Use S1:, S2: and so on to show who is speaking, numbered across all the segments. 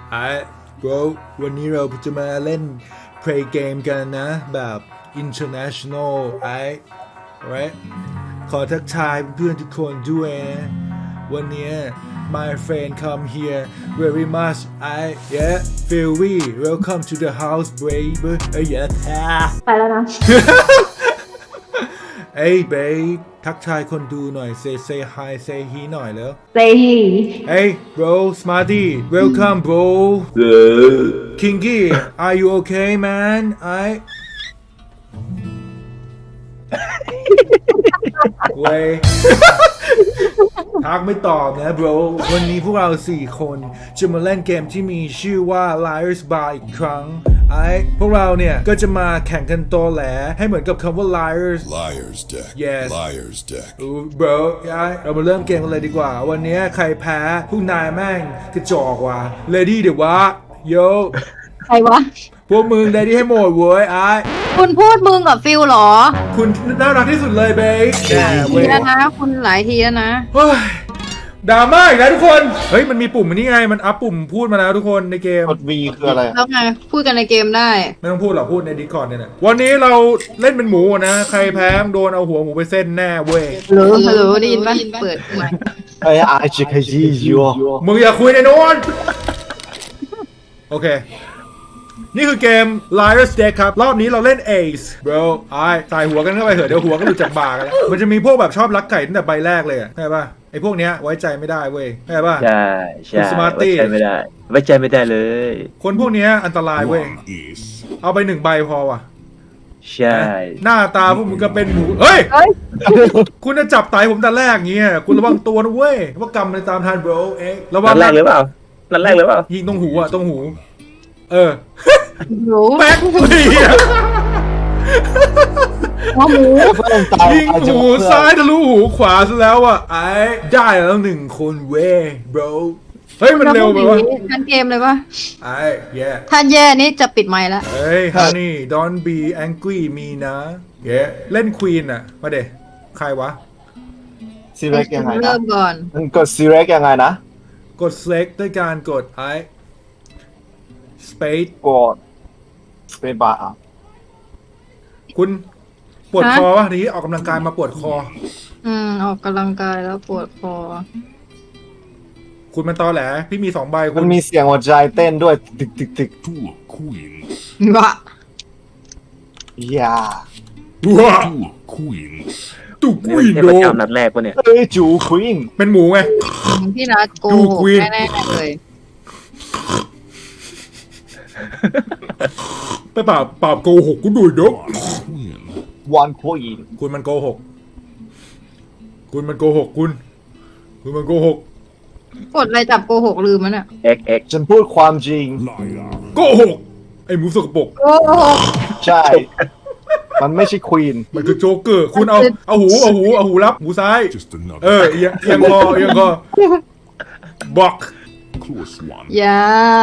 S1: bro วันนี้เราจะมาเล่น play game กันนะแบบ international right ขอทักทายเพื่อนทุกคนด้วยนะวันนี้ my friend come here very much yeah feel we welcome to the house baby yeah
S2: ไปแล้วนะ
S1: เอ้ยเบย์ทักทายคนดูหน่อย say hi say he หน่อยแล้ว
S2: say he
S1: Hey bro Smarty welcome bro Kingy are you okay manเว้ย ทักไม่ตอบนะ bro วันนี้พวกเรา4 คนจะมาเล่นเกมที่มีชื่อว่า Liar's Bar อีกครั้งพวกเราเนี่ยก็จะมาแข่งกันตอแหลให้เหมือนกับคำว่า liars
S3: Liar's deck.
S1: Yes.
S3: Liar's deck.
S1: bro เรามาเริ่มเกมกันเลยดีกว่าวันนี้ใครแพ้พวกนายแม่งกระจอกว่ะ ready เดี๋ยววะ yo
S2: ใครวะ
S1: พวกมึง ready ให้หมดเว้ย
S2: คุณพูดมึงกับฟิลเหรอ
S1: คุณน่ารักที่สุดเลยเบย์
S2: ทีแล้วนะ คุณหลายทีแล้วนะ
S1: เฮ้ยดราม่าอีกแล้วทุกคนเฮ้ยมันมีปุ่มอันนี้ไงมันอัพปุ่มพูดมาแล้วทุกคนในเกม
S4: กด V คืออะไร
S2: แล้วไง พูดกันในเกมได้
S1: ไม่ต้องพูดหรอกพูดใน Discord เนี่ยนะวันนี้เราเล่นเป็นหมูนะใครแพ้โดนเอาหัวหมูไปเส้นแน่เว้ย
S2: ฮัลโหลได้ยินปะเปิดไมค์
S4: ไอ้อาชิคาจิโย
S1: มึงอย่าคุยในโน้นโอเคนี่คือเกม Liar's Deck ครับรอบนี้เราเล่น Ace bro ใส่หัวกันเข้าไปเถอะเดี๋ยวหัวก็หลุดจากบ่ากันแล้วมันจะมีพวกแบบชอบลักไก่ตั้งแต่ใบแรกเลยใช่ป่ะไอ้พวกเนี้ยไว้ใจไม่ได้เว้ยใช่ป่ะ
S5: ใช่ใช่
S1: คุณ Smarty
S5: ไว้ใจไม่ได้ไว้ใจไม่ได้เลย
S1: คนพวกเนี้ยอันตรายเว้ย
S3: One ace.
S1: เอาไป1 ใบพอว่ะ
S5: ใช่
S1: หน้าตาพวกมึงก็เป็นหมูเฮ้ย คุณจะจับไตผมแต่แรกเงี้ยคุณระวังตัวนะเว้ยว่ากรรมมันตามทัน bro ระวั
S5: นั
S1: ง
S5: ดแรกหรือเปล่านัดแรกหรือเปล่า
S1: ยิงตรงหูตรงหู
S2: หนู
S1: แป๊กเหี้ย
S2: หัวหมู
S1: ยิงหูซ้ายทะลุหูขวาซะแล้วอ่ะได้แล้ว1 คนเว้ย bro เฮ้ยมันเร็วไปวะ
S2: ทันเกมเลยปะ
S1: yeah
S2: ถ้าแย่นี่จะปิดไมค์แล้ว
S1: เฮ้ย honey don't be angry me นะ yeah เล่น queen อ่ะมาเดใครวะ
S4: ซีเร็กยังไงนะ
S2: เริ่มก่อน
S4: มึงกดซีเร็กยังไงนะ
S1: กด select ด้วยการกดspace
S4: กดเป็นบาร์
S1: คุณปวดคอวะทีนี้ออกกำลังกายมาปวดคอ
S2: ออกกำลังกายแล้วปวดคอ
S1: คุณมันตอแหลพี่มี2 ใบคุ
S4: มั
S1: ณ
S4: นมีเสียงหัวใจเต้นด้วยตึกตึกตึก
S3: Two queens.
S2: วะ
S4: อย่า
S1: ว้า
S3: Two queens.
S1: ตุกวิน
S5: เท
S1: โด
S5: พเจ้านัดแรกปะเนี่ย
S4: เอ้ยจูควีน
S1: เป็นหมูไง
S2: พี่นัทโก
S1: ดู
S2: หก
S1: Queen
S2: แน่ๆเลย
S1: ไปปราบโกหกกูด้วยเด้อ
S3: Queen.
S4: วันควีน
S1: คุณมันโกหกคุณมันโกหกคุณมันโกหก
S2: กดอะไรจับโกหกลืมมันอ่ะ
S5: X
S4: ฉันพูดความจริง
S3: Liar.
S1: โกหกไอ้หมูสกปรก
S2: โกหก
S4: ใช่ มันไม่ใช่ควีน
S1: มันคือโจ๊กเกอร์คุณเอาหูรับหูซ้าย
S3: Just another
S1: เอียงคอบอก
S3: close one.
S2: อย่า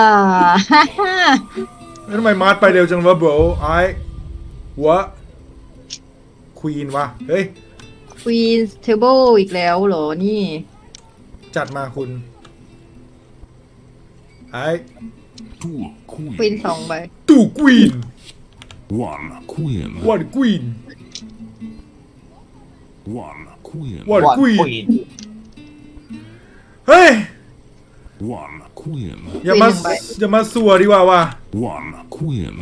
S1: แล้วทำไมมาร์ทไปเร็วจังวะ bro หัวควีนวะเฮ้ย
S2: Queen's Table อีกแล้วเหรอนี่
S1: จัดมาคุณ
S3: Two
S2: Queen
S3: queens.
S2: 2 ใบ
S1: ตู่ควีน
S3: One queen.
S1: วันควีน
S3: One queen.
S1: วัน
S4: วัน
S1: ควี
S4: คน วีน
S1: เฮ้ย
S3: One queen.
S1: อย่ามาสัวดีกว่าว่ะ
S3: One queen.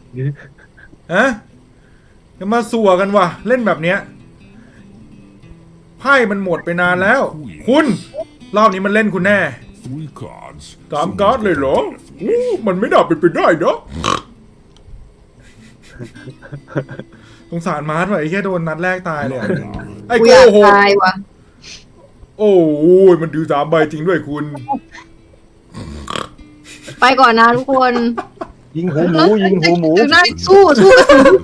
S1: อย่ามาสัวกันว่ะเล่นแบบเนี้ยไพ่มันหมดไปนานแล้ว คุณรอบนี้มันเล่นคุณแน่
S3: Three cards.
S1: 3 การ์ดเลยเหรอมันไม่น่าเป็นไปได้เนาะสงสารมาร์ทว่ะไอ้แค่โดนนัดแรกตายเลยอะไอ้
S2: กู
S1: โก
S2: อยาก
S1: หก
S2: ตายว่ะ
S1: โอ้ยมันดู3 ใบจริงด้วยคุณ
S2: ไปก่อนนะทุกคน
S4: ยิงหูหมูยิงหูหมู
S2: ถึงได้สู้กระสุน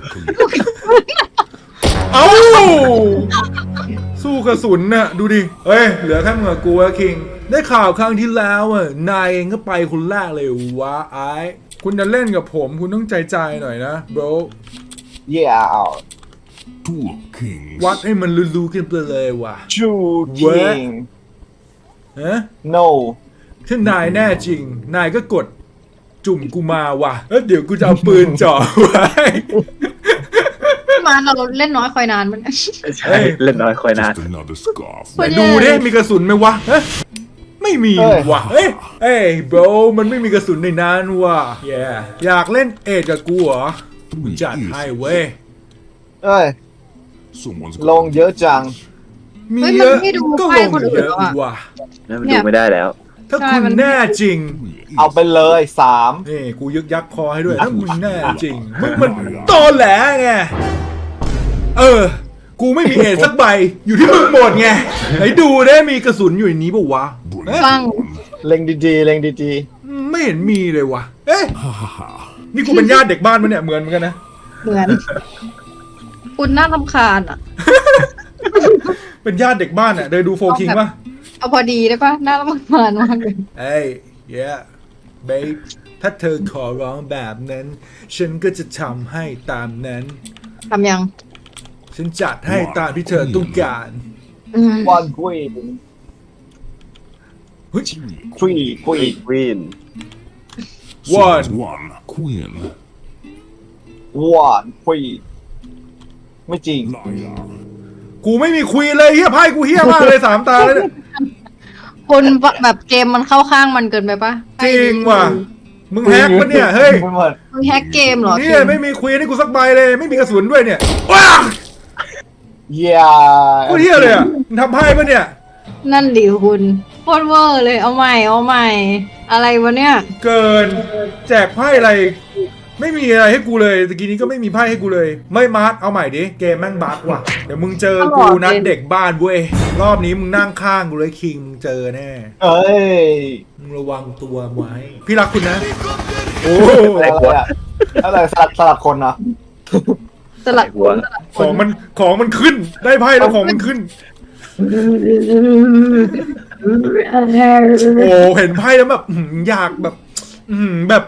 S1: เอ้าสู้กระสุนน่ะดูดิเอ้ยเหลือแค่มึงกับกูอะคิงได้ข่าวครั้งที่แล้วอ่ะนายเองก็ไปคนแรกเลยวะคุณจะเล่นกับผมคุณต้องใจหน่อยนะ bro
S4: เย่เอา
S3: Two kings.
S1: วัดให้มันรู้ๆกันไปเลยว่ะ
S4: จูคิง
S1: ฮะ
S4: no
S1: ถ้านายแน่จริงนายก็กดจุ่มกูมาว่ะแล้วเดี๋ยวกูจะเอาปืนจ่อไว้
S2: พี่มาเราเล่นน้อยคอยนานมัน
S5: ใช่เล่นน้อยคอยนาน
S3: Just another scarf.
S2: คน
S1: ดูดิมีกระสุนไหมวะเฮ้ยไม่มี
S4: เอ้ย
S1: ว่ะเอ้ยโบรมันไม่มีกระสุนในนั้นว่ะแย่อยากเล่นเอ็ดกับกูเหรอ
S3: Three
S1: จัดให้เว้ย
S3: easy.
S4: เอ้ย
S3: Someone's
S4: ลงเยอะจัง
S1: มี
S2: เฮ้ย
S1: เย
S2: มัน
S1: อะ
S2: ไม่ดู
S1: ก็
S2: ไพ่
S1: ลง
S2: คนอื่น
S1: เยอะ
S2: แล้วอะ
S1: ว่ะ
S5: นั่นมันดูไม่ได้แล้ว
S1: ถ้า
S2: ใช่
S1: คุณ
S2: มัน
S1: แน่จริง
S3: Three
S4: เอา
S3: easy.
S4: ไปเลยสาม
S1: นี่กูยึกยักคอให้ด้วยถ้ามึงแน่จริงมึงมันตอแหลไงกูไม่มีเอ็ดสักใบอยู่ที่มึงหมดไงไหนดูได้มีกระสุนอยู่ในนี้ปะวะเอ๊ะ
S2: ฟัง
S4: เล็งดีๆเล็งดี
S1: ไม่เห็นมีเลยวะเอ๊ะนี่กูเป็นญาติเด็กบ้านมันเนี่ยเหมือนกันนะ
S2: เหมือน คุณน่ารำคาญอ่ะ
S1: เป็นญาติเด็กบ้านอ่ะเดินดูโฟคิงป่ะ
S2: เอาพอดีได้ปะน่ารำคาญมากเลย
S1: เอ้ย yeah babe ถ้าเธอขอร้องแบบนั้น ฉันก็จะทำให้ตามนั้น
S2: ทำยัง
S1: ฉันจัดให้ตามที่เธอต้องการ
S2: อืม
S4: ๆ one queen
S1: เฮ้ย
S4: three queen
S5: วิน
S3: Someone's one queen.
S4: one queen ไม่จริง
S3: Liar.
S1: กูไม่มีคุยเลยเฮียไพ่กูเฮียมากเลย3 ตาเลยเนี่ย
S2: คุณแบบเกมมันเข้าข้างมันเกินไปปะ
S1: จริงว่ะ มึงแฮกปะเนี่ย เฮ้ย
S4: ไม่หมด
S2: มึงแฮกเกมเหรอ
S1: เนี่ยไม่มีคุยให้กูสักใบเลย ไม่มีกระสุนด้วยเนี่ยว้า
S4: yeah
S1: กูเฮียเลยอ่ะมึงทำไพ่ปะเนี่ย
S2: นั่นดิคุณโคตรเวอร์เลยเอาใหม่เอาใหม่ อะไรวะเนี่ย
S1: เกิน แจกไพ่อะไร ไม่มีอะไรให้กูเลยตะกี้นี้ก็ไม่มีไพ่ให้กูเลย ไม่มาร์ทเอาใหม่ดิ เกมแม่งบั๊กว่ะ เดี๋ยวมึงเจอกูนัดเด็กบ้านเว้ย รอบนี้มึงนั่งข้างกูเลยคิงมึงเจอแน่
S4: เอ้ย
S1: มึงระวังตัวไว้ พี่รักคุณนะ โอ้
S4: อะไรอะอะไรสลับคนเนาะ
S2: สลัด
S5: หัว
S1: ของมันขึ้น ได้ไพ่แล้วของมันขึ้น โอ้เห็นไพ่แล้วแบบอยากแบบแบบ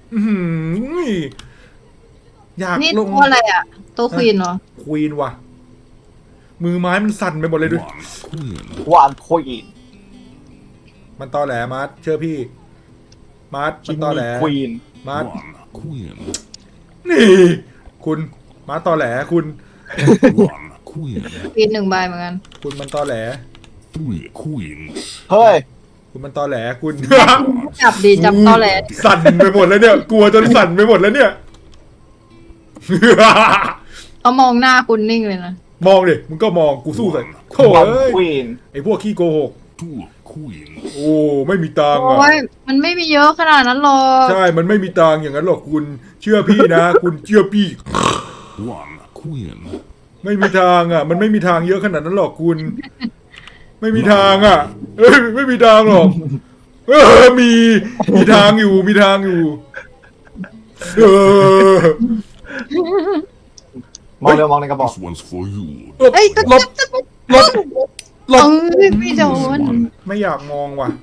S1: อยาก
S2: นี่
S1: ลง
S2: ตัวอะไรอ่ะตัวควีนเหรอ
S1: ควีนว่ะ มือไม้มันสั่นไปหมดเลยด้วย
S3: One queen.
S4: one queen
S1: มันตอแหลมาร์ทเชื่อพี่ มาร์ทมันตอแหล
S4: queen
S1: มาร์ท
S3: One queen.
S1: นี่ คุณมาร์ทตอแหลคุณ
S3: One queen.
S2: ควีน1 ใบเหมือนกัน
S1: คุณมันตอแหล
S3: Three queens.
S4: เฮ้ย
S1: คุณมันตอแหลคุณ
S2: จับดีจับตอแหล
S1: สั่นไปหมดแล้วเนี่ย กลัวจนสั่นไปหมดแล้วเนี่ย
S2: เขามองหน้าคุณนิ่งเลยนะ
S1: มองดิมึงก็มองกูสู้ใส่โถ่
S4: one
S1: เอ้ย
S4: queen
S1: ไอพวกขี้โกหก
S3: Two queens.
S1: โอ้ไม่มีตังค์
S2: โอ้
S1: อ่ะ
S2: ยมันไม่มีเยอะขนาดนั้นหรอก
S1: ใช่มันไม่มีตังค์อย่างนั้นหรอกคุณ เชื่อพี่นะ คุณเชื่อพี่
S3: One queen.
S1: ไม่มีทางอ่ะ มันไม่มีทางเยอะขนาดนั้นหรอกคุณ ไม่มีทางอ่ะเอ้ยไม่มีทางหรอกมีทางอยู่มีทางอยู่เออ
S4: มองเร็วมองในกระบอก
S3: This one's for you.
S2: เอ้ย
S1: ลบลบลบ
S2: ไม่โดน
S1: ไม่อยากมองว่ะ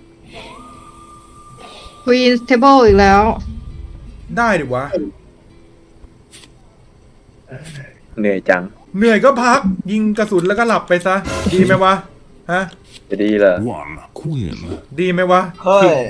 S2: ควีนเทเบิลอีกแล้ว
S1: ได้ดิวะ
S5: เหนื่อยจัง
S1: เหนื่อยก็พัก ยิงกระสุนแล้วก็หลับไปซะ ดีไหมวะฮะ
S5: จะดีเหรอ
S3: One queen.
S1: ดีไหมวะ
S4: เฮ้ย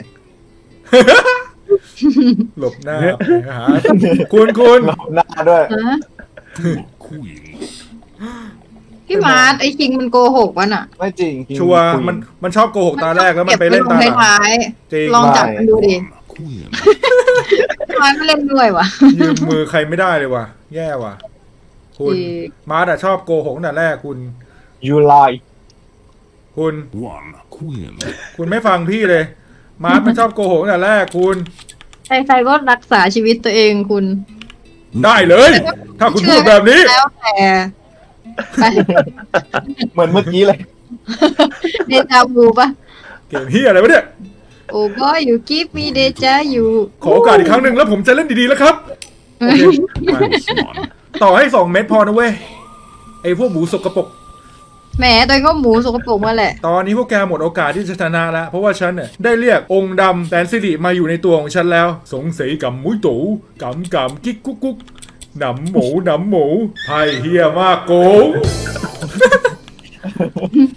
S1: หลบหน้าไปหาคุณ
S4: หน้าด้วย
S2: ฮะ
S3: Two queens.
S2: พี่มาร์ทไอ้คิงมันโกหกวะน่ะ
S4: ไม่จริง
S1: ชัวร์มันชอบโกหกตาแรกแล้วมันไปเล่นตาหลัง
S2: ท้าย
S1: จริง
S2: ๆลองจับมันดูดิ
S3: One queen.
S2: ท้ายไม่เล่นด้วยวะ
S1: ยืมมือใครไม่ได้เลยว่ะ แย่ว่ะ คุณ
S2: จริง
S1: มาร์ทอะชอบโกหกตั้งแต่แรกคุณ
S4: you lie
S1: คุณ
S3: One queen.
S1: คุณไม่ฟังพี่เลย มาร์ทมันชอบโกหกตั้งแต่แรกคุณ
S2: ใครๆก็รักษาชีวิตตัวเองคุณ
S1: ได้เลย ถ้าคุณพูดแบบนี้
S2: แล้วแต่ไป
S4: เหมือนเมื่อกี้เลย
S2: เดจาวูปะ
S1: เกมเฮียอะไรวะเนี่ย
S2: โอ้บอยอยู่กิฟมีเดจาอยู่
S1: ขอโอกาสอีกครั้งหนึ่งแล้วผมจะเล่นดีๆแล้วครับโอเคมา
S3: This one.
S1: ต่อให้2 เม็ดพอนะเว้ย ไอ้พวกหมูสกปรก
S2: แหมตัวเองก็หมูสกปรกมาแหละ
S1: ตอนนี้พวกแกหมดโอกาสที่จะชนะแล้ว เพราะว่าฉันเนี่ยได้เรียกองค์ดำแสนสิริมาอยู่ในตัวของฉันแล้ว สงสัยกับมุ้ยตู่กำกิ๊กกุ๊กกุ๊กหนำหมูไพ่เฮียมากโกง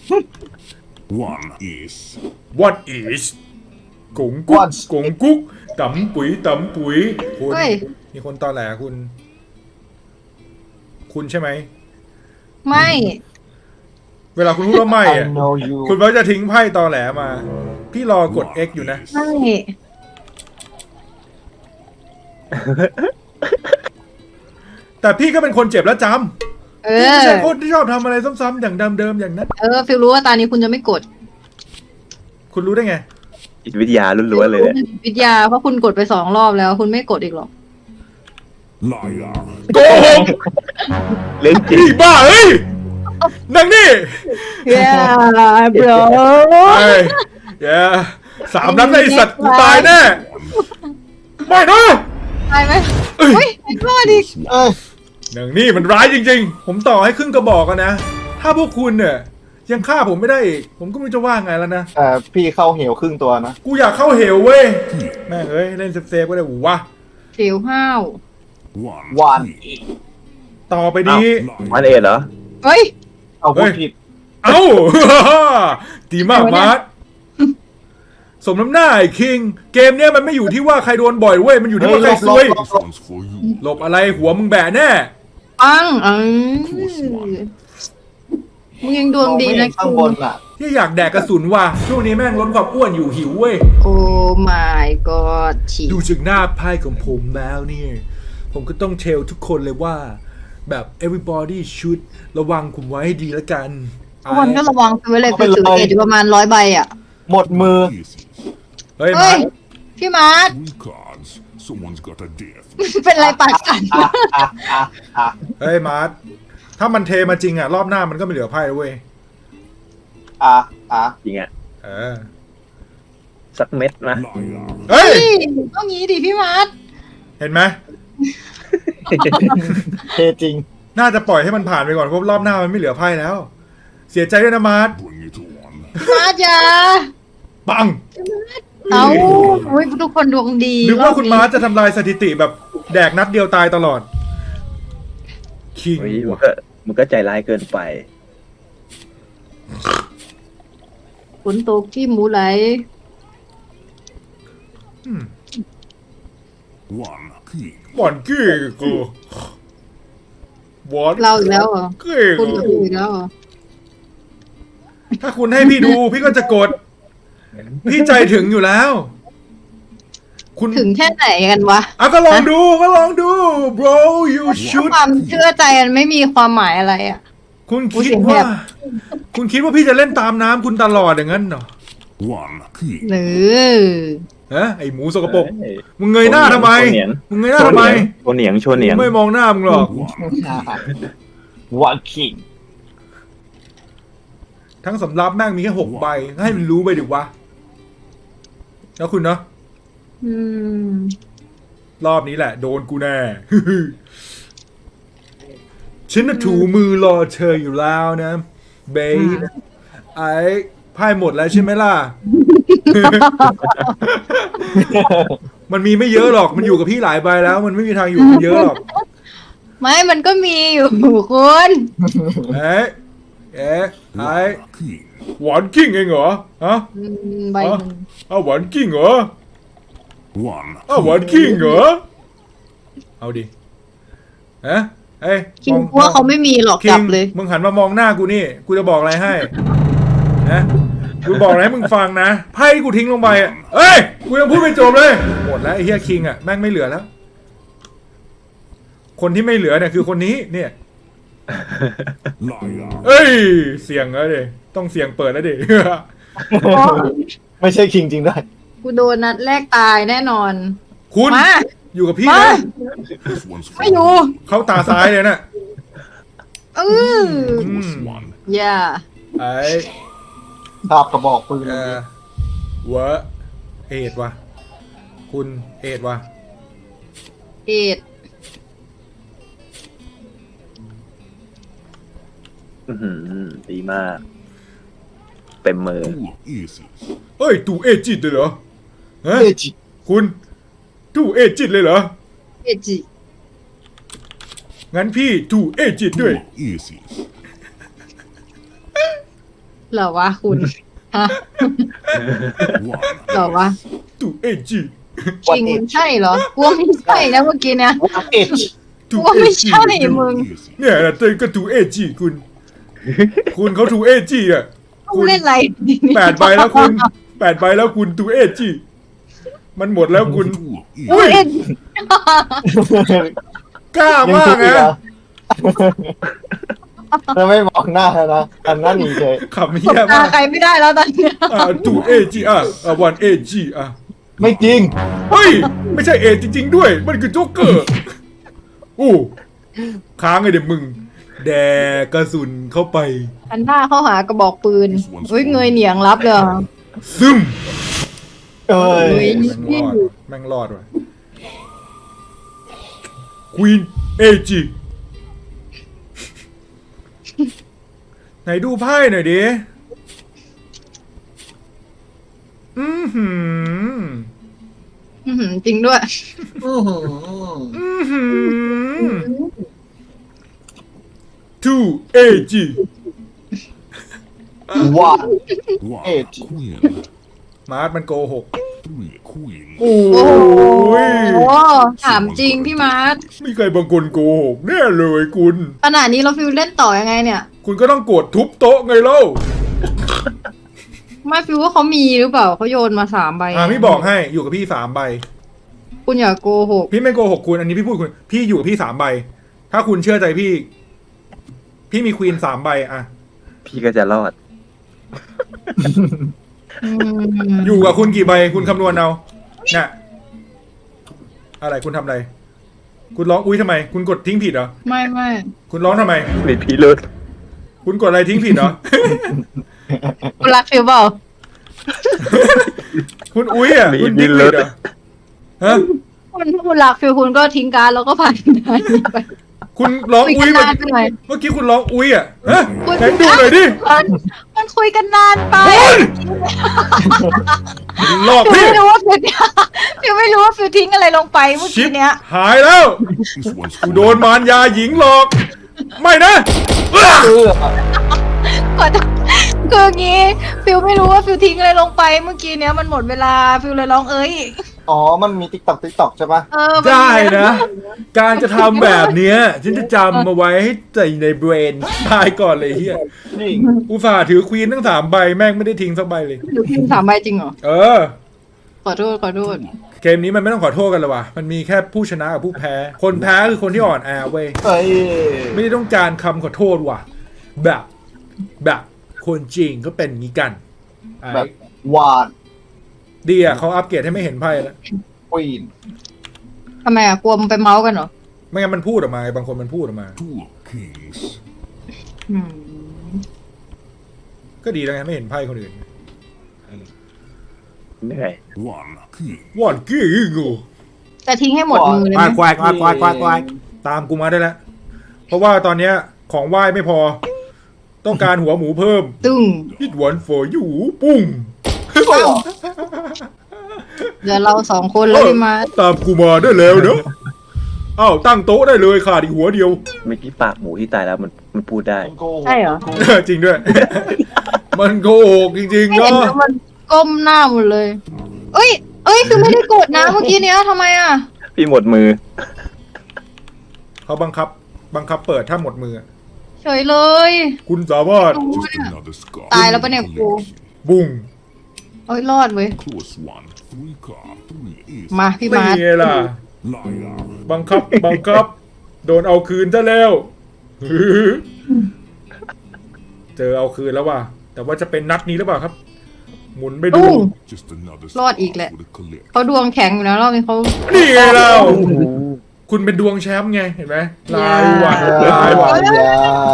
S3: One is.
S1: What is กงกุ๊ก
S4: What?
S1: กงกุ๊กตำปุ๋ยคุณ
S2: เฮ้ย
S1: มีคนตอแหลคุณ คุณใช่ไหม
S2: ไม่
S1: เวลาคุณพูดว่าไม่
S4: I
S1: อะ
S4: know you
S1: คุณก็จะทิ้งไพ่ตอแหลมา พี่รอกด X อยู่นะ
S2: ไม่
S1: แต่พี่ก็เป็นคนเจ็บแล้วจ
S2: เอ
S1: ำพี่
S2: อ
S1: ไม่ใช่คนที่ชอบทำอะไรซ้ำๆอย่างเดิมๆอย่างนั้น
S2: ฟิลรู้ว่าตานี้คุณจะไม่กด
S1: คุณรู้ได้ไง
S5: จิตวิทยาล้วนๆเลยเนี่ย
S2: วิทยาเพราะคุณกดไป2 รอบแล้ว คุณไม่กดอีกหรอก
S3: Liar.
S1: โกหก
S5: เรื่องจริง
S1: พี่บ้าเฮ้ยนังนี่
S2: yeah bro
S1: ไอ้แย่3 นัดเลยไอ้สัตว์กูตายแน่ ไม่นะ
S2: ตายไหมอุ้ยไอ้รอดอีก
S4: เอ้ย
S1: นังนี่มันร้ายจริงๆ ผมต่อให้ครึ่งกระบอกกันนะ ถ้าพวกคุณเนี่ยยังฆ่าผมไม่ได้อีก ผมก็ไม่รู้จะว่าไงแล้วนะ
S4: แต่พี่เข้าเหวครึ่งตัวนะ
S1: กูอยากเข้าเหวเว้ย แม่งเอ้ย เล่นเซฟๆก็ได้หูวะ
S2: เสียวห้าว
S3: One.
S4: One.
S3: King.
S1: ต่อไปนี้
S5: มันเอ็ดเหรอ
S2: เฮ้ย
S4: เอาพูดผิด
S1: เอ้า ดีมากมาร์ทสมน้ำหน้าไอ้คิง เกมเนี้ยมันไม่อยู่ที่ว่าใครโดนบ่อยเว้ย มันอยู่ที่ว่าใครซวย
S3: This one's for you.
S1: หลบอะไรหัวมึงแบะแน่
S2: ปังมึงยังดวงดีนะ
S4: ข้างบนอ่ะ
S1: ที่อยากแดกกระสุนว่ะ ช่วงนี้แม่งลดความอ้วนอยู่หิวเว้ย
S2: โอ้ my god ฉีด
S1: ดูจากหน้าไพ่ของผมแล้วเนี่ย ผมก็ต้องเทลทุกคนเลยว่า แบบ everybody should ระวังผมไว้ให้ดีแล้วกัน
S2: ทุกคนก็ระวังไปไว้เลย
S4: เอา
S2: ไป
S4: ไปเลย
S2: ถือเออยู่ประมาณ100 ใบอ่ะ
S4: หมดมือ
S3: Aces.
S1: เฮ้ย
S2: เฮ้
S1: มาย ร์ท
S2: พี่มาร์ท
S3: Three cards. Someone's got a death.
S2: เป็นไรปากสั่น
S1: เฮ้ยมาร์ทถ้ามันเทมาจริงอะรอบหน้ามันก็ไม่เหลือไพ่แล้วเว้ย
S5: จริงอ่ะ
S1: เออ
S5: สักเม็ดนะ
S3: Liar.
S1: เฮ้ย
S2: ต้องงี้ดิพี่มาร์ท
S1: เห็นไหม
S4: เทจริง
S1: น่าจะปล่อยให้มันผ่านไปก่อนเพราะรอบหน้ามันไม่เหลือไพ่แล้ว เสียใจด้วยนะมาร์ท
S3: Bring it on.
S2: พี่มาร์ทอย่า
S1: ปัง
S2: เอาอุ้ยทุกคนดวงดี
S1: นึกว่าคุณมาร์ทจะทำลายสถิติแบบแดกนัดเดียวตายตลอด คิง
S5: เฮ้ยมันก็ใจร้ายเกินไป
S2: ฝนตกที่หมูไหล
S3: One king.
S1: บอนกี้กูบอน
S2: เราอีกแล้วเหรอ
S1: กี้
S2: คุณ
S1: กู
S2: กับกูอีกแล้วเหรอ
S1: ถ้าคุณให้พี่ดู พี่ก็จะกด พี่ใจถึงอยู่แล้ว คุณ
S2: ถึงแค่ไหนกันวะ
S1: ก็ลองดูbro you
S2: ถ้า
S1: should
S2: ความเชื่อใจมันไม่มีความหมายอะไรอ่ะ
S1: คุณ
S2: อุ๊ย
S1: คิด
S2: เสียงแห
S1: ว่า
S2: บ
S1: คุณคิดว่าพี่จะเล่นตามน้ำคุณตลอดอย่างนั้นเหรอ
S3: One king.
S2: หรือ
S1: ฮะไอหมูสกปรก
S5: เฮ้ย
S1: มึงเงยหน้าทำไม
S5: โชว์เหนียง
S1: มึงเงยหน้าทำไม
S5: โชว์เหนียงโชว์เหนียง
S1: กูไม่มองหน้ามึงหรอก
S3: One.
S4: One king
S1: ทั้งสำรับแม่งมีแค่6 ใบ ให้มันรู้ไปดิวะ แล้วคุณเนาะ
S2: อืม
S1: รอบนี้แหละ โดนกูแน่ ฉันน่ะถูมือรอเธออยู่แล้วนะ เบย์ไอ้ไพ่หมดแล้วใช่ไหมล่ะ มันมีไม่เยอะหรอก มันอยู่กับพี่หลายใบแล้ว มันไม่มีทางอยู่กันเยอะหรอก
S2: ไม่มันก็มีอยู่คุณ
S1: เอ๊ะไอ้
S3: One king.
S1: หวานกิ้งเองเหรอ ฮะ
S2: ใบหนึ่ง
S1: เอาหวานกิ้งเหรอ
S3: One.
S1: เอาหวานกิ้งเหรอ เอาดิฮะเอ้ย
S2: คิงกลัวเขาไม่มีหรอก
S1: คิ
S2: จั
S1: ง
S2: บเลย
S1: มึงหันมามองหน้ากูนี่ กูจะบอกอะไรให้นะกูบอกอะไรให้มึงฟังนะ ไพ่ที่กูทิ้งลงไปอ่ะเอ้ย กูยังพูดไม่จบเลย หมดแล้วไอ้เฮียคิงอ่ะแม่งไม่เหลือแล้ว คนที่ไม่เหลือเนี่ยคือคนนี้เนี่ย
S3: Liar.
S1: เอ้ย เสียงแล้วดิต้องเสียงเปิดแล้วดิ
S4: ไม่ใช่คิงจริงด้วย
S2: กูโดนนัดแรกตายแน่นอน
S1: คุณ
S2: มา
S1: อยู่กับพี่
S2: มา
S1: นะ
S3: This one's for
S2: ไม่อยู่
S3: you.
S1: เขาตาซ้ายเลยนะ
S2: เออ
S3: Plus one.
S2: อย่า
S1: ไอ้
S4: ภาพกระบอกปืน
S1: เวะเอ็ดวะคุณเอ็ดวะ
S2: เอ็ด
S5: ดีมาก เต็มมือ
S3: Two aces.
S1: เอ้ยตู่เอจิตเลยเหรอฮะ
S4: เอจิ
S1: คุณตู่เอจิตเลยเหรอ
S2: เอ็ดจิ
S1: งั้นพี่ตู่เอจิตด้วย
S3: Two aces.
S2: เหรอวะคุณฮะ
S3: One.
S2: เหรอวะ
S1: ตู่เอจิ
S2: จริงใช่เหรอกลัวไม่ใช่นะเมื่อกี้เนี่ย
S4: What age
S2: กลัวไม่ใช่มึง
S3: Easy.
S1: เนี่ยเต้นก็ทูเอจีคุณเขาทูเอจีอ่ะ
S2: มึงเล่นอะไร
S1: 8 ใบแล้วคุณ8 ใบแล้วคุณทูเอจีมันหมดแล้วคุณ
S3: Too
S1: อุ้ย
S3: easy.
S2: เล่น
S1: กล้า
S4: ยัง
S1: มาก
S4: ทุกอีก
S1: นะ
S4: เหรอแล้วไม่มองหน้านะอันนั้นหนีเลย
S1: ขับ
S2: ส
S1: เฮี
S2: บ
S1: ย
S2: ตาม
S1: าก
S2: ใครไม่ได้แล้วตอนเนี้ย
S1: ทูเอจีวันเอจีอ่ะ
S4: ไม่จริง
S1: เฮ้ย ไม่ใช่เอจริง ๆ ด้วย มันคือโจ๊กเกอร์อู้ค้างไงเด็กมึง แดกกระสุนเข้าไป
S2: อันหน้าเข้าหากระบอกปืนเฮ้ยเงยเหนียงรับเลยเหรอ
S1: ซึม
S4: เอ้ย
S2: เฮ้ย
S1: แม่งรอดว่ะควีนเอจีไหนดูไพ่หน่อยดิ อือหือ
S2: อื้อหือจริงด้วย
S4: อื้อหือ
S1: อือหือ 2AG
S4: ว่า
S3: One
S4: Age.
S3: queen.
S1: มาร์ทมันโกหก
S3: Three queens.
S1: โอ้
S2: โอ้โห
S1: ย
S2: ถามจริงพี่มาร์ท
S1: มีใครบางคนโกหกแน่เลยคุณ
S2: ขนาดนี้เราฟิลเล่นต่อยังไงเนี่ย
S1: คุณก็ต้องกดทุบโต๊ะไงเล่า
S2: ไม่ฟิลว่าเขามีหรือเปล่าเขาโยนมา3 ใบ
S1: พี่บอกให้อยู่กับพี่3 ใบ
S2: คุณอย่าโกหก
S1: พี่ไม่โกหกคุณ อันนี้พี่พูดคุณ พี่อยู่กับพี่3 ใบ ถ้าคุณเชื่อใจพี่ พี่มีควีน3 ใบอะ
S5: พี่ก็จะรอด
S2: อืม
S1: อยู่กับคุณกี่ใบ คุณคำนวณเอาน่ะอะไรคุณทำอะไร คุณร้องอุ้ยทำไม คุณกดทิ้งผิดเหรอ
S2: ไม่
S1: คุณร้องทำไม
S5: มีพิรุษ
S1: คุณกดอะไรทิ้งผิดเหรอ
S2: คุณรักฟิลเปล่า
S1: คุณอุ้ยอ่ะ
S5: มี
S1: คุณ
S5: พิ
S1: ทิ้ง
S5: รุ
S1: ผิ
S5: ษ
S1: ดเหรอฮะ
S2: คุณรักฟิลคุณก็ทิ้งการดแล้วก็ผ่านได้ไป
S1: คุณร้อง
S2: คุย
S1: อุ้
S2: กั
S1: ย
S2: น
S1: เมื่
S2: นานไปหน่อย
S1: อกี้คุณร้องอุ้ยอ่ะฮะ
S2: คุณ
S1: ไหนดูหน่อยดิ
S2: มันคุยกันนานไป
S1: หลอก
S2: ฟิล
S1: พี่
S2: ไม่รู้ว่าฟิลฟิลไม่รู้ว่าฟิลทิ้งอะไรลงไปเมื่อ
S1: ชิ
S2: กี้
S1: ป
S2: เนี้ย
S1: หายแล้ว
S3: This one's
S1: กู
S3: for
S1: โดนมารยาหญิงหลอก ไม่นะเอ้อ
S4: เออ
S2: ขอโทษคืองี้ฟิลไม่รู้ว่าฟิลทิ้งอะไรลงไปเมื่อกี้เนี้ยมันหมดเวลาฟิลเลยร้องเอ้ย
S4: อ๋อ มันมีติ๊กต็อกใช่ปะ
S2: เออมัน
S1: ได้นะ การจะทำแบบเนี้ยฉันจะจำมาไว้ให้ใจในเบรนตายก่อนเลยเฮีย
S4: จริง
S1: อุตส่าห์ถือควีนทั้ง3 ใบแม่งไม่ได้ทิ้งสักใบเลย
S2: หรือพิมพ์3 ใบจริงเหรอ
S1: เออ
S2: ขอโทษ
S1: เกมนี้มันไม่ต้องขอโทษกันเลยว่ะ มันมีแค่ผู้ชนะกับผู้แพ้ คนแพ้คือคนที่อ่อนแอเว้ย
S4: เอ้ย
S1: ไม่ได้ต้องการคำขอโทษว่ะ แบบคนจริงก็เป็นงี้กันไอ้
S4: แบบหวาน
S1: ดีอ่ะเขาอัปเกรดให้ไม่เห็นไพ่แล้ว
S4: ควีน
S2: ทำไมกลัวมันไปเมาส์กันเหรอ
S1: ไม่งั้นมันพูดออกมาไงบางคนมันพูดออกมา
S3: two kings.
S2: อืม
S1: ก็ดีแล้วไงไม่เห็นไพ่คนอื่น
S5: เหนื่อย
S3: One king.
S1: วอนกี้กู
S2: แต่ทิ้งให้หมดมือเลยไหม
S1: ควายตามกูมาได้แล้ว เพราะว่าตอนเนี้ยของไหว้ไม่พอ ต้องการหัวหมูเพิ่ม
S2: ตึ้ง
S1: It one for you ปุ้ง
S2: เดี๋ยวเรา2 คนแล้วพี่มาร์ท
S1: ตามกูมาได้แล้วเนาะอ้าวตั้งโต๊ะได้เลยขาดอีกหัวเดียว
S5: เมื่อกี้ปากหมูที่ตายแล้วมันพูดได้
S4: มันโกหก
S2: ใช่เหรอ
S1: จริงด้วย มันโกหกจริงๆ
S2: ไม่เห็
S1: เนาะ
S2: นแล้วมันก้มหน้าหมดเลย เอ้ยคือไม่ได้กดนะเมื่อกี้เนี้ยทำไมอ่ะ
S5: พี่หมดมือ
S1: เขาบังคับเปิดถ้าหมดมือ
S2: เฉยเลย
S1: คุณสามารถ
S3: Just another scar.
S2: ตายแล้วปะเนี่ยกู
S1: บุ้ง
S2: เอ้ยรอดเว้ย
S3: Close one. Three card. Three is
S2: มาพี่
S1: ไม่
S2: มาร์ท
S1: ไงล่ะ
S3: liar.
S1: บังคับ โดนเอาคืนซะแล้ว เจอเอาคืนแล้วว่ะ แต่ว่าจะเป็นนัดนี้หรือเปล่าครับ หมุนไปดู
S2: ตุ้ง
S3: Just another
S2: รอด
S3: scar
S2: อีกแหละ
S3: for the collect.
S2: เขาดวงแข็งอยู่นะรอบนี้เขา
S1: นี่ไงเรา คุณเป็นดวงแชมป์ไง เห็นไหมลายวัน
S4: อย่า
S1: ลายวัน
S4: อย่า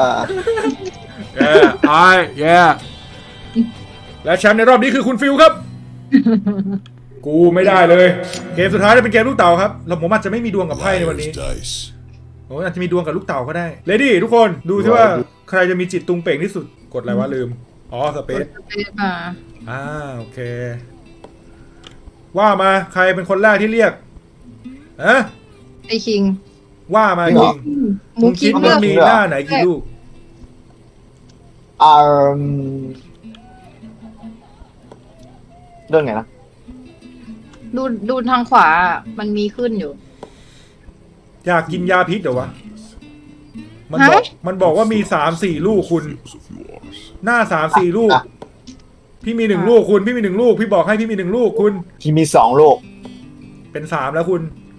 S1: และแชมป์ในรอบนี้คือคุณฟิลครับ กูไม่ได้เลย เกมสุดท้ายจะเป็นเกมลูกเต่าครับแล้วผมอาจจะไม่มีดวงกับไพ่ในวันนี้
S3: dice.
S1: ผมอาจจะมีดวงกับลูกเต่าก็ได้เลดี้ทุกคนดูที่ว่าใครจะมีจิตตุงเป่งที่สุดกดอะไรวะลืม อ๋อสเปซ
S2: อ่า
S1: โอเค ว่ามาใครเป็นคนแรกที่เรียกอะ
S2: ไอคิง
S1: ว่ามาจริง
S2: หมู
S1: มึง
S2: คิ
S1: คิ
S2: ด
S1: ด
S2: เลื
S1: ว่า
S2: อก
S1: มีหน้าไหนกี่ลูก
S4: อ่าเรื่องไงนะ
S2: ดูทางขวาอะมันมีขึ้นอยู่
S1: อยากกินยาพิษเหรอวะ มัน
S2: ฮะ
S1: บอกว่ามี3-4 ลูกคุณ
S3: Fields of yours.
S1: หน้า3-4 ลูก พี่มี1 ลูกคุณ พี่มี 1 ลูก พี่บอกให้พี่มี1 ลูกคุณ
S4: ที่มี2 ลูก
S1: เป็น3แล้วคุณ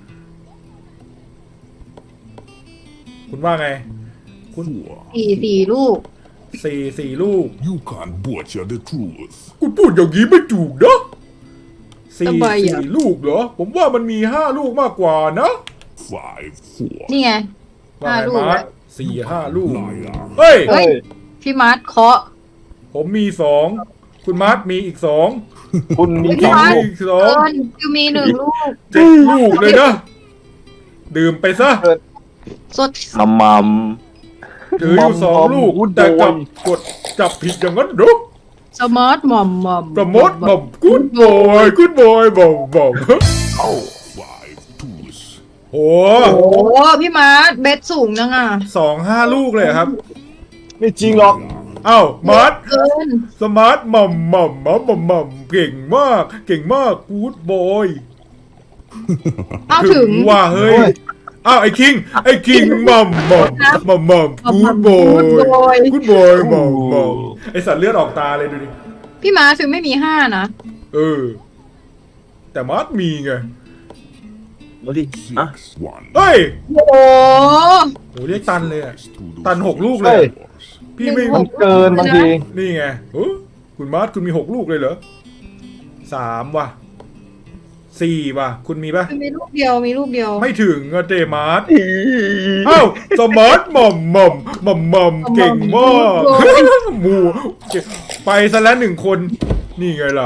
S1: คุณว่าไง
S3: Four.
S2: สี่ลูก
S1: 4 ลูก
S3: You can't butcher the truth.
S1: คุณพูดอย่างนี้ไม่ถูกนะสี่
S2: ทำไมอ่ะ
S1: ลูกเหรอ ผมว่ามันมี5 ลูกมากกว่านะ
S3: Five, four.
S2: นี่ไง
S1: ว่าไง
S2: 5 ลูก
S1: มาร์
S2: อะ
S1: ค4-5 ลูก
S3: Liar.
S1: เฮ้ย
S2: เฮ้ย พี่มาร์ทเคาะ
S1: ผมมี2 คุณมาร์คมีอีก2
S4: คุณมี
S2: พี่
S4: 2
S2: มาร์ท
S4: ลูก
S1: อีก
S2: เกินฟิวมี1 ลูก
S1: 7 ลูกเลยนะ ดื่มไปซะ
S2: สด
S5: มัม
S1: ถืออยู่2 ลูก แต่กลับกดจับผิดอย่างนั้นเหรอ
S2: สมาร์ทหม่อม
S1: ประมดบ่มกูดบอยกูดบอยบ่มบ่ม
S3: Five, twos.
S1: โห
S2: โอ้โหพี่มาร์ทเบสสูงจังอ่ะ
S1: 2-5 ลูกเลยครับ
S4: ไม่จริงหรอก
S1: เอ้ามาร์ท
S2: เกิน
S1: สมาร์ทหม่ำหม่ำหม่ำหม่ำหม่ำเก่งมาก เก่งมากกูดบอย
S2: เอาถึง
S1: ว่าเฮ้ย
S4: โอ้ย
S1: อ้าวไอ้คิงหม่ำหม่ำหม่ำหม่ำกูดบอยกูดบอยหม่ำหม่ำไอสัตว์เลือดออกตาเลยดูดิ
S2: พี่มาร์ทฟิวไม่มี5นะ
S1: เออ แต่มาร์ทมีไง
S5: ดูดิอ่ะ
S3: Six, one.
S1: เฮ้ย
S2: โอ้โห
S1: โหเรียกตันเลยอะ
S3: To those
S1: ตัน 6 ลูกเล
S4: เฮ้
S1: ย
S4: ย
S1: พี่ไม่
S2: ห
S4: มั
S2: นึ่
S4: น
S2: ง
S4: เกินบางที
S1: นี่ไงคุณมาร์ทคุณมี 6 ลูกเลยเหรอ3 ว่ะ 4 ว่ะ คุณมีปะ
S2: ฟิวมีลูกเดียวมีลูกเดียว
S1: ไม่ถึงอะเจมาร์ทเอ้าสมาร์ทหม่ำหม่ำหม่ำหม่ำเก่งมากหมูเก่งไปซะแล้ว1 คน นี่ไงล่ะ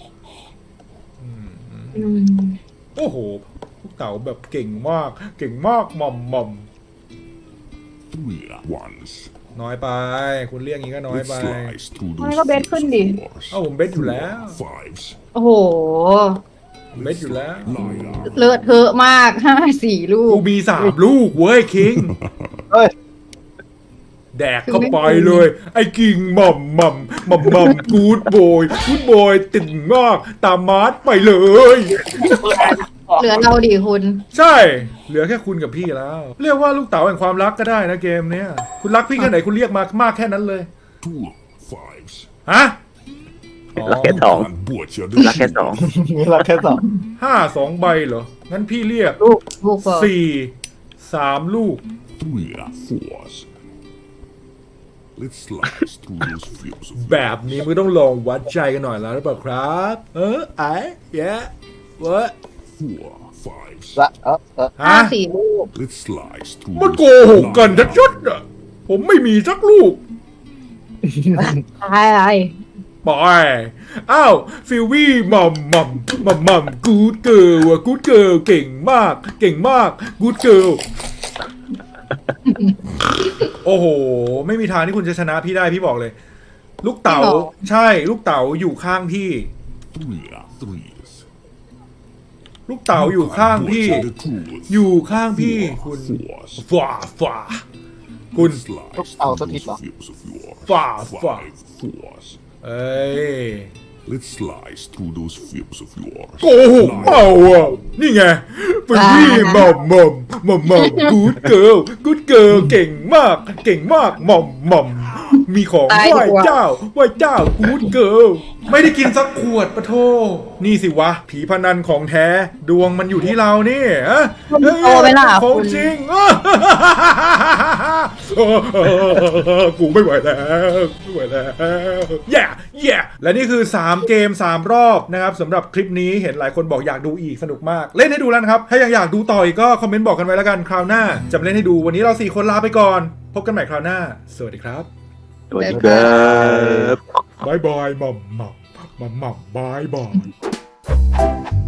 S2: อืม
S1: โอ้โหลูกเต๋าแบบเก่งมาก เก่งมากหม่ำหม่ำ
S3: three ones.
S1: น้อยไป คุณเรียกอย่างนี้ก็น้อย
S3: It
S1: ไป
S3: slides through
S2: ทำไม
S3: those
S2: ก็เบสขึ้นดิ
S3: fours.
S1: เอ้าผมเบสอยู่แล้ว
S3: Fives.
S2: โอ้โห
S1: ผมเบสอยู่แล้ว
S3: Liar.
S2: เลอะเทอะมาก4 ลู
S1: กู
S2: ก
S1: มี3 ลูกเว้ยคิง
S4: เฮ้ย
S1: แดกเข้าไปเลย ไอ้กิ่งหม่ำหม่ำหม่ำหม่ำกูดบอยตึงมากตามมาร์ทไปเลย
S2: เหลือเราดิคุณ
S1: ใช่ เหลือแค่คุณกับพี่แล้ว เรียกว่าลูกเต๋าแห่งความรักก็ได้นะเกมเนี้ยคุณรักพี่แค่ไหนคุณเรียกมากแค่นั้นเลย
S3: Two fives.
S1: ฮะ
S5: รักแค่2
S3: Can't butcher the
S5: รักแค่
S3: truth.
S4: มีเราแค่2
S1: 2 ใบเหรอ งั้นพี่เรียก
S2: ลูกเฟิร์
S1: 3 ลูก
S3: Three fours. Let's slice through those fields of
S1: แบบนี้มึงต้องลองวัดใจกันหน่อยแล้วหรือเปล่าครับ ไอ้แย่วะ
S3: four fives.
S4: ละ
S1: ฮะ
S2: 4 ลูก
S3: Let's slice through
S1: มัน
S3: those
S1: โกหกกันชัดๆอ่ะ ผมไม่มีสักลูก
S2: อะไร
S1: ไปอ้าวฟิลวี่หม่ำหม่ำหม่ำหม่ำกูดเกิร์ลว่ะกูดเกิร์ลเก่งมากกูดเกิร์ลโอ้โห ไม่มีทางที่คุณจะชนะพี่ได้พี่บอกเลย ลูกเต๋าใช่ลูกเต๋าอยู่ข้างพี่
S3: three threes.
S1: ลูกเต๋าอยู่ข้างพี่
S3: Butcher the truth.
S1: อยู่ข้างพี่คุณ
S3: Fours.
S1: ฝ่าคุณ
S3: Slice
S4: Look,
S3: through
S4: so
S3: those
S4: deep, huh?
S3: fields of yours.
S1: Far.
S3: Five fours.
S1: เอ้ย
S3: Let's slice through those fields of yours.
S1: โกหกเปล่าอ่ะ นี่ไงเป็นพี่หม่ำหม่ำหม่ำหม่ำกูดเกิร์ลเก่งมากหม่ำหม่ำมีของไหว้เจ้ากูดเกิร์ลไม่ได้กินสักขวดปะโทนี่สิวะ ผีพนันของแท้ ดวงมันอยู่ที่เรานี่ฮะ
S2: โตไปล่ะ
S1: ของ
S2: คุณ
S1: จริง กูไม่ไหวแล้วแย่และนี่คือ3 เกม 3 รอบนะครับสำหรับคลิปนี้เห็นหลายคนบอกอยากดูอีกสนุกมาก เล่นให้ดูแล้วนะครับ ถ้ายังอยากดูต่ออีกก็คอมเมนต์บอกกันไว้แล้วกันคราวหน้าจะมาเล่นให้ดูวันนี้เรา4 คนลาไปก่อน พบกันใหม่คราวหน้า สวัสดีครับ
S5: สวัสดีครับ
S1: บายบายหม่ำบายบาย